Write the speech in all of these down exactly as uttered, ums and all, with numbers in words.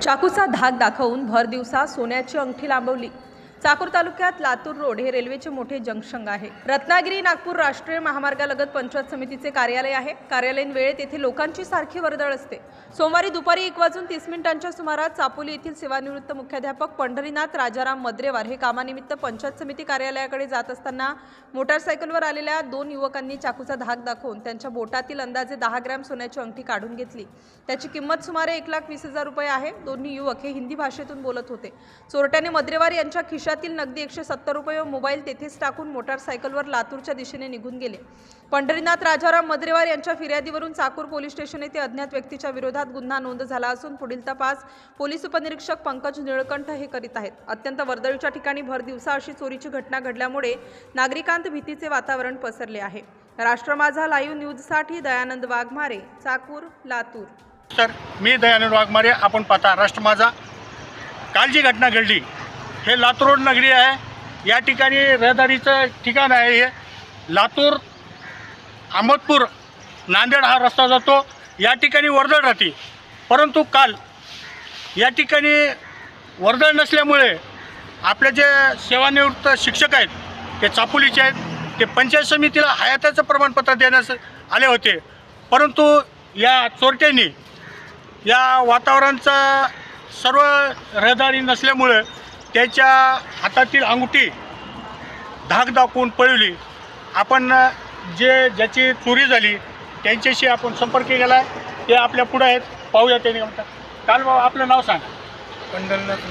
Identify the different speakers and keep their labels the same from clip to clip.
Speaker 1: चाकूचा धाक दाखवून भर दिवसा सोन्याची अंगठी लांबवली। चाकूर तालुक्यात लातूर रोड हे रेल्वेचे मोठे जंक्शन आहे। रत्नागिरी नागपूर राष्ट्रीय महामार्गालगत पंचायत समितीचे कार्यालय आहे। कार्यालयीन वेळेत येथे लोकांची सारखी वर्दळ असते। सोमवारी दुपारी एक वाजून तीस मिनिटांच्या सुमारास चापोली येथील सेवानिवृत्त मुख्याध्यापक पंढरीनाथ राजाराम मद्रेवार हे कामानिमित्त पंचायत समिती कार्यालयाकडे जात असताना मोटारसायकलवर आलेल्या दोन युवकांनी चाकूचा धाक दाखवून त्यांच्या बोटातील अंदाजे दहा ग्रॅम सोन्याची अंगठी काढून घेतली। त्याची किंमत सुमारे एक लाख वीस हजार रुपये आहे। दोन्ही युवक हे हिंदी भाषेतून बोलत होते। चोरट्याने मद्रेवार यांच्या खिशातील नगदी एकशे सत्तर रुपये व मोबाईल तेथेच टाकून मोटारसायकलवर लातूरच्या दिशेने निघून गेले। पंढरीनाथ राजाराम मद्रेवार यांच्या फिर्यादीवरून चाकूर पोलीस स्टेशन येथे अज्ञात व्यक्तीच्या विरोधात गुन्हा नोंद झाला असून पुढील तपास पोलीस उपनिरीक्षक पंकज निळकंठ हे करीत आहेत। अत्यंत वर्दळीच्या ठिकाणी भर दिवसा अशी चोरीची घटना घडल्यामुळे नागरिकांत भीतीचे वातावरण पसरले आहे। राष्ट्र माझा लाईव्ह न्यूजसाठी दयानंद वाघमारे, चाकूर, लातूर।
Speaker 2: सर, मी दयानंद वाघमारे, आपण पाहता राष्ट्र माझा। काल जी घटना घडली हे लातूर रोड नगरी आहे। या ठिकाणी रहदारीचं ठिकाण आहे। हे लातूर अहमदपूर नांदेड हा रस्ता जातो। या ठिकाणी वर्दळ राहते, परंतु काल या ठिकाणी वर्दळ नसल्यामुळे आपले जे सेवानिवृत्त शिक्षक आहेत ते चापोलीचे आहेत, ते पंचायत समितीला हयातीचं प्रमाणपत्र देण्यास आले होते। परंतु या चोरट्यांनी या वातावरणाचा सर्व रहदारी नसल्यामुळे त्याच्या हातातील अंगठी धाक दाखवून पळवली। आपण जे ज्याची चोरी झाली त्यांच्याशी आपण संपर्क केला, ते आपल्या पुढे आहेत, पाहूया त्यांनी म्हणतात। काल बाबा आपलं नाव सांग।
Speaker 3: पंढरनाथ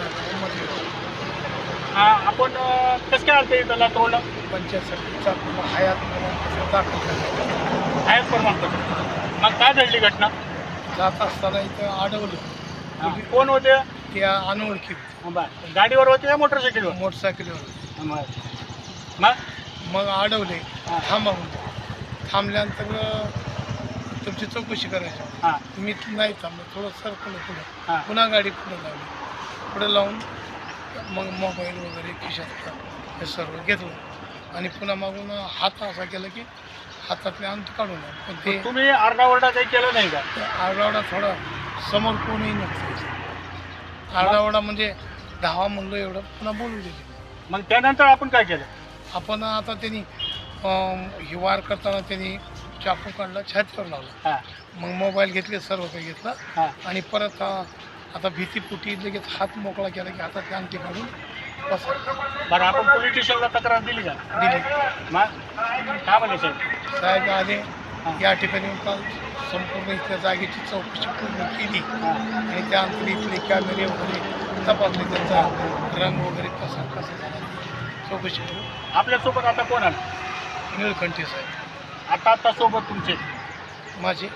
Speaker 2: हां, आपण कसं काय आलं इथं लातूरला?
Speaker 3: पंचायत समितीचा हयात प्रमाणपत्र दाखल करण्यात
Speaker 2: हयात प्रमाणपत्र। मग काय घडली घटना?
Speaker 3: जात असताना इथं अडवलं।
Speaker 2: कोण होते?
Speaker 3: त्या अनोळखी
Speaker 2: बरं, गाडीवर होते या मोटरसायकलवर?
Speaker 3: मोटरसायकलवर।
Speaker 2: मग
Speaker 3: मग अडवले,
Speaker 2: हां.
Speaker 3: थांबा म्हणून। थांबल्यानंतर तुमची चौकशी करायची।
Speaker 2: हां
Speaker 3: मी नाही थांबलो, थोडं सरकलं पुढे।
Speaker 2: हां.
Speaker 3: पुन्हा गाडी पुढे लावली, पुढे लावून मग मोबाईल वगैरे खिशात हे सर्व घेतलं आणि पुन्हा मागून हात असा केला की हातातले अंत काढून आले। पण ते
Speaker 2: तुम्ही आरडाओरडा काही केलं नाही का?
Speaker 3: आरडाओरडा थोडा समोर कोणीही नव्हतं। आरडाओरडा म्हणजे धावा म्हणलो एवढं, पुन्हा बोलू दिले।
Speaker 2: मग त्यानंतर आपण काय केलं?
Speaker 3: आपण आता त्यांनी ही वार करताना त्यांनी चाकू काढला, छातीवर लावला।
Speaker 2: हां
Speaker 3: मग मोबाईल घेतले, सर्व काही घेतला
Speaker 2: हां
Speaker 3: आणि परत आता भीतीपुटी लगेच हात मोकळा केला की हातात अंगठी काढून बसा।
Speaker 2: बरं, आपण पोलीस स्टेशनला तक्रार दिली का?
Speaker 3: दिली।
Speaker 2: मग काय म्हणे साहेब?
Speaker 3: साहेब आले, या ठिकाणी काल संपूर्ण इथल्या जागेची चौकशी पूर्ण केली आणि त्यानंतर इथले कॅमेरे वगैरे तपासले, त्यांचा रंग वगैरे कसा कसा झाला चौकशी करून।
Speaker 2: आपल्यासोबत आता कोण आलं?
Speaker 3: निळकंठी साहेब
Speaker 2: आता आता सोबत तुमचे
Speaker 3: माझे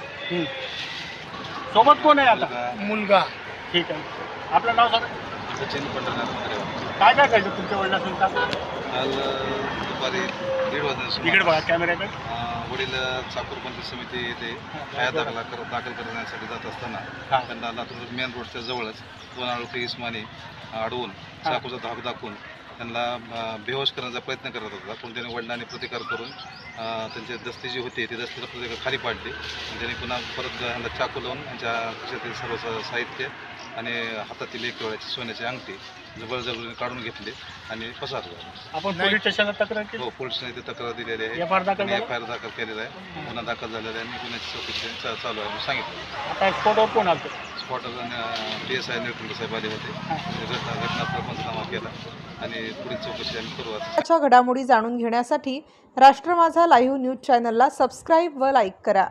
Speaker 2: सोबत कोण आहे आता?
Speaker 3: मुलगा।
Speaker 2: ठीक आहे, आपलं नाव सांगा।
Speaker 4: सचिन पंढरनाथ मद्रेवार।
Speaker 2: काय काय करायचं तुमच्या वडिलांचं?
Speaker 4: काल दुपारी दीड वाजता
Speaker 2: इकडे बघा कॅमेऱ्याकडे।
Speaker 4: वडील चाकूर पंचायत समिती येथे हयात दाखल कर दाखल करण्यासाठी जात असताना त्यांना लातूर मेन रोडच्या जवळच दोन अनोळखी इस्मानी अडवून चाकूचा धाक दाखवून त्यांना बेहोश करण्याचा प्रयत्न करत होता। पण त्याने वडिलांनी प्रतिकार करून त्यांची दस्ती जी होती ती दस्तीचा प्रतिकार खाली पाडली आणि त्यांनी पुन्हा परत त्यांना चाकू लावून त्यांच्या खिशातील सर्व साहित्य आणि हातातील एक वेळाची सोन्याची अंगठी जबरजबरीने काढून घेतली आणि पसार झाला।
Speaker 2: आपण पोलीस स्टेशनला तक्रार केली?
Speaker 4: हो, पोलिसांनी इथे तक्रार दिलेली आहे।
Speaker 2: एफ आय आर दाखल
Speaker 4: एफ आय आर दाखल केलेला आहे, गुन्हा दाखल झालेला आहे आणि गुन्ह्याची चौकशी चालू आहे सांगितलं।
Speaker 2: आता स्पॉटवर कोण आलं?
Speaker 4: स्पॉटवर पी एस आय निळकंठ साहेब आले होते, घटना घटनास्थळ पंचनामा केला आणि पुढील चौकशी आम्ही करू।
Speaker 1: आजच्या घडामोडी जाणून घेण्यासाठी राष्ट्र माझा लाईव्ह न्यूज चॅनलला सबस्क्राईब व लाईक करा।